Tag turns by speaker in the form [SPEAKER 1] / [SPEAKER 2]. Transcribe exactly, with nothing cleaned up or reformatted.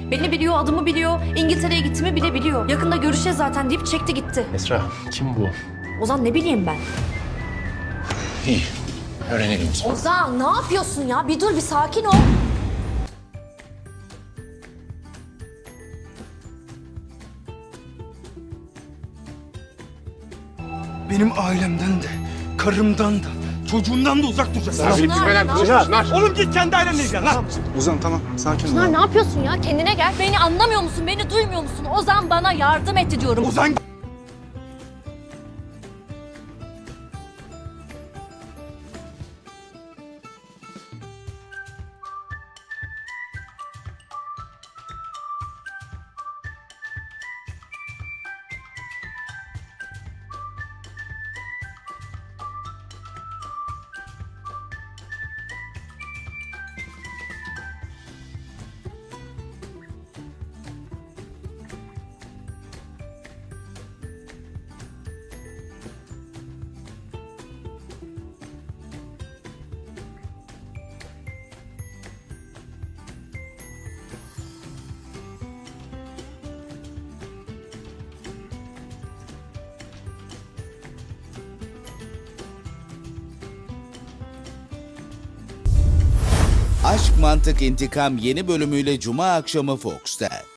[SPEAKER 1] Beni biliyor, adımı biliyor, İngiltere'ye gittiğimi bile biliyor. Yakında görüşeceğiz zaten deyip çekti gitti.
[SPEAKER 2] Esra, kim bu?
[SPEAKER 1] Ozan ne bileyim ben.
[SPEAKER 2] İyi, öğrenelim.
[SPEAKER 1] Ozan ne yapıyorsun ya? Bir dur, bir sakin ol.
[SPEAKER 3] Benim ailemden de, karımdan da, çocuğumdan da uzak duracaksın.
[SPEAKER 2] Bilip bilmeden konuşmasınlar.
[SPEAKER 3] Oğlum git kendi ailenle ilgilen lan.
[SPEAKER 4] Ozan tamam sakin ol.
[SPEAKER 1] Çınar ne yapıyorsun ya? Kendine gel. Beni anlamıyor musun? Beni duymuyor musun? Ozan bana yardım etti diyorum.
[SPEAKER 3] Ozan
[SPEAKER 5] Aşk Mantık İntikam yeni bölümüyle Cuma akşamı Fox'ta.